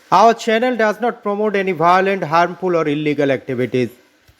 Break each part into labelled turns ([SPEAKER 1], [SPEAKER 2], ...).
[SPEAKER 1] Our channel does not promote any violent, harmful, or illegal activities.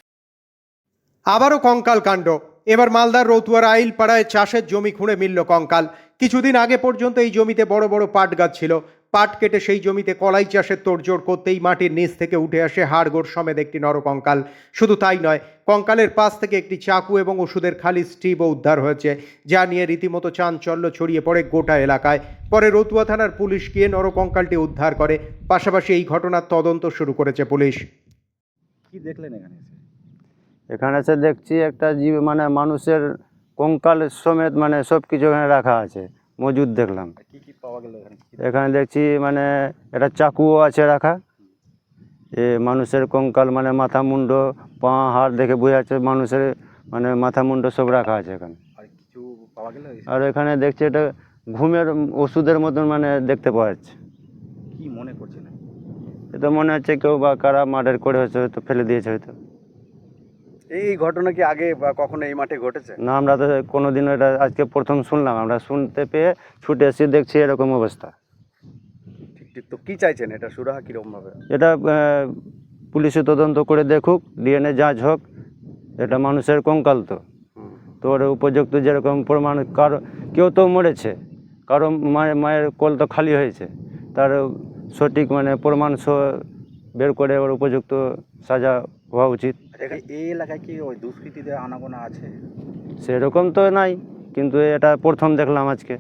[SPEAKER 1] আবারও কঙ্কাল কাণ্ড। এবার মালদার রতুয়ার আইলপাড়ায় চাষের জমি খুঁড়ে মিলল কঙ্কাল। কিছুদিন আগে পর্যন্ত এই জমিতে বড় বড় পাট গাছ ছিল। পাট কেটে সেই জমিতে কলাই চাষের তোড়জোড় করতেই মাটির নিচ থেকে উঠে আসে হাড়গোড় সমেত একটি নরকঙ্কাল। শুধু তাই নয়, কঙ্কালের পাশ থেকে একটি চাকু এবং ওষুধের খালি স্ট্রিপও উদ্ধার হয়েছে, যা নিয়ে রীতিমতো চাঞ্চল্য ছড়িয়ে পড়ে গোটা এলাকায়। পরে রতুয়া থানার পুলিশ গিয়ে নরকঙ্কালটি উদ্ধার করে। পাশাপাশি এই ঘটনার তদন্ত শুরু করেছে পুলিশ।
[SPEAKER 2] কি দেখলেন এখানে এসে?
[SPEAKER 3] এখানে এসে দেখছি একটা জীব মানে মানুষের কঙ্কাল সমেত মানে সব কিছু এখানে রাখা আছে, মজুদ দেখলাম।
[SPEAKER 2] আর কি কি পাওয়া গেল এখানে?
[SPEAKER 3] এখানে দেখছি মানে একটা চাকুও আছে রাখা। মানুষের কঙ্কাল মানে মাথা মুন্ড পা হাড় দেখে বোঝা যাচ্ছে মানুষের মানে মাথা মুন্ড সব রাখা আছে এখানে।
[SPEAKER 2] আর কিছু পাওয়া গেল এসে?
[SPEAKER 3] আর এখানে দেখছি এটা ঘুমের ওষুধের মতন মানে দেখতে পাওয়া যাচ্ছে।
[SPEAKER 2] কি মনে করছেন?
[SPEAKER 3] এটা মনে হচ্ছে কেউ বা কারা মার্ডার করে হয়তো হয়তো ফেলে দিয়েছে হয়তো।
[SPEAKER 2] এই ঘটনা কি আগে বা কখনো এই মাঠে ঘটেছে?
[SPEAKER 3] না, আমরা তো কোনোদিনও এটা আজকে প্রথম শুনলাম। আমরা শুনতে পেয়ে ছুটে এসে দেখছি এরকম অবস্থা।
[SPEAKER 2] ঠিক ঠিক। তো কি চাইছেন, এটা সুরাহা কিরকম ভাবে?
[SPEAKER 3] এটা পুলিশে তদন্ত করে দেখুক, ডিএনএ যাঁচ হোক। এটা মানুষের কঙ্কাল তো ওর উপযুক্ত যেরকম প্রমাণ, কারো কেউ তো মরেছে, কারো মায়ের কোল তো খালি হয়েছে, তার সঠিক মানে প্রমাণ বের করে ওর উপযুক্ত সাজা হওয়া উচিত।
[SPEAKER 2] এই এলাকায় কি ওই দুষ্কৃতীদের আনাগোনা আছে?
[SPEAKER 3] সেরকম তো নাই, কিন্তু এটা প্রথম দেখলাম আজকে।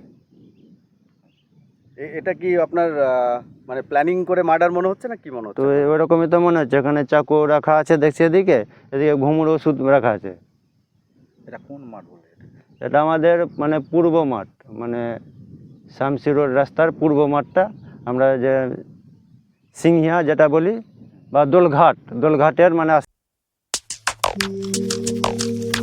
[SPEAKER 2] এটা কি আপনার মানে প্ল্যানিং করে মার্ডার মনে হচ্ছে না কি মনে
[SPEAKER 3] তো
[SPEAKER 2] হচ্ছে?
[SPEAKER 3] ওরকমই তো মনে হচ্ছে। এখানে চাকু রাখা আছে দেখছি, এদিকে ঘুমুর ওষুধ রাখা আছে।
[SPEAKER 2] এটা কোন মাঠ বলে?
[SPEAKER 3] এটা আমাদের মানে পূর্ব মাঠ, মানে শামসি রোড রাস্তার পূর্ব মাঠটা, আমরা যে সিংহিয়া যেটা বলি বা দোলঘাটের মানে